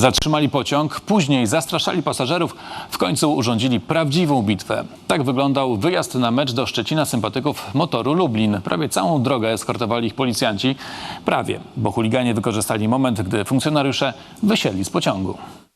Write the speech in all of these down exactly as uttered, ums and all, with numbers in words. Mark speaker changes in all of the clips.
Speaker 1: Zatrzymali pociąg, później zastraszali pasażerów, w końcu urządzili prawdziwą bitwę. Tak wyglądał wyjazd na mecz do Szczecina sympatyków Motoru Lublin. Prawie całą drogę eskortowali ich policjanci. Prawie, bo chuliganie wykorzystali moment, gdy funkcjonariusze wysiedli z pociągu.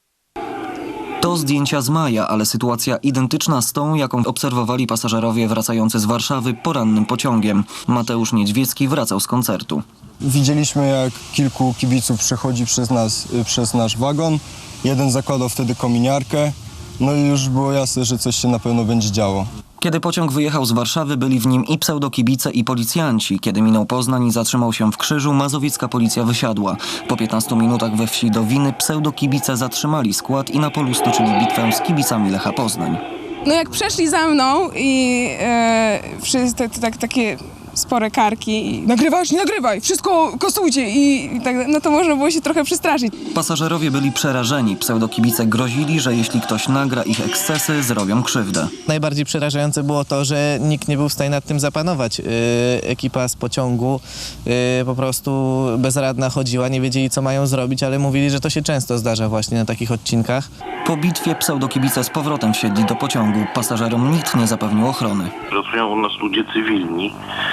Speaker 2: To zdjęcia z maja, ale sytuacja identyczna z tą, jaką obserwowali pasażerowie wracający z Warszawy porannym pociągiem. Mateusz Niedźwiecki wracał z koncertu.
Speaker 3: Widzieliśmy, jak kilku kibiców przechodzi przez nas, przez nasz wagon. Jeden zakładał wtedy kominiarkę. No i już było jasne, że coś się na pewno będzie działo.
Speaker 2: Kiedy pociąg wyjechał z Warszawy, byli w nim i pseudokibice, i policjanci. Kiedy minął Poznań i zatrzymał się w Krzyżu, mazowiecka policja wysiadła. Po piętnastu minutach we wsi Dowiny pseudokibice zatrzymali skład i na polu stoczyli bitwę z kibicami Lecha Poznań.
Speaker 4: No jak przeszli za mną i e, wszyscy te, tak, takie spore karki i nagrywasz, nie nagrywaj, wszystko kosujcie i, i tak, no to można było się trochę przestraszyć.
Speaker 2: Pasażerowie byli przerażeni. Pseudokibice grozili, że jeśli ktoś nagra ich ekscesy, zrobią krzywdę.
Speaker 5: Najbardziej przerażające było to, że nikt nie był w stanie nad tym zapanować. Yy, ekipa z pociągu yy, po prostu bezradna chodziła, nie wiedzieli, co mają zrobić, ale mówili, że to się często zdarza właśnie na takich odcinkach.
Speaker 2: Po bitwie pseudokibice z powrotem wsiedli do pociągu. Pasażerom nikt nie zapewnił ochrony.
Speaker 6: Pracują u nas ludzie cywilni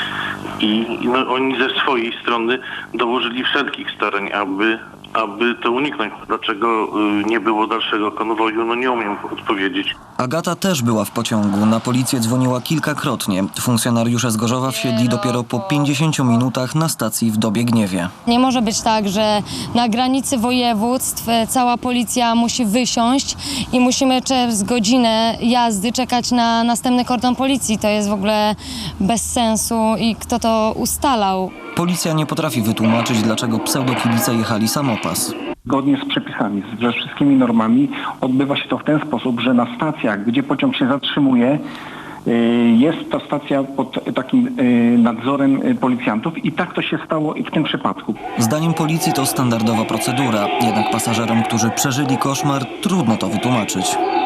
Speaker 6: i no, oni ze swojej strony dołożyli wszelkich starań, aby, aby to uniknąć. Dlaczego y, nie było dalszego konwoju, no nie umiem odpowiedzieć.
Speaker 2: Agata też była w pociągu. Na policję dzwoniła kilkakrotnie. Funkcjonariusze z Gorzowa wsiedli dopiero po pięćdziesięciu minutach na stacji w Dobiegniewie.
Speaker 7: Nie może być tak, że na granicy województw cała policja musi wysiąść i musimy przez godzinę jazdy czekać na następny kordon policji. To jest w ogóle bez sensu i kto to ustalał.
Speaker 2: Policja nie potrafi wytłumaczyć, dlaczego pseudokibice jechali samopas.
Speaker 8: Zgodnie z przepisami, ze wszystkimi normami odbywa się to w ten sposób, że na stacjach, gdzie pociąg się zatrzymuje, jest ta stacja pod takim nadzorem policjantów i tak to się stało i w tym przypadku.
Speaker 2: Zdaniem policji to standardowa procedura, jednak pasażerom, którzy przeżyli koszmar, trudno to wytłumaczyć.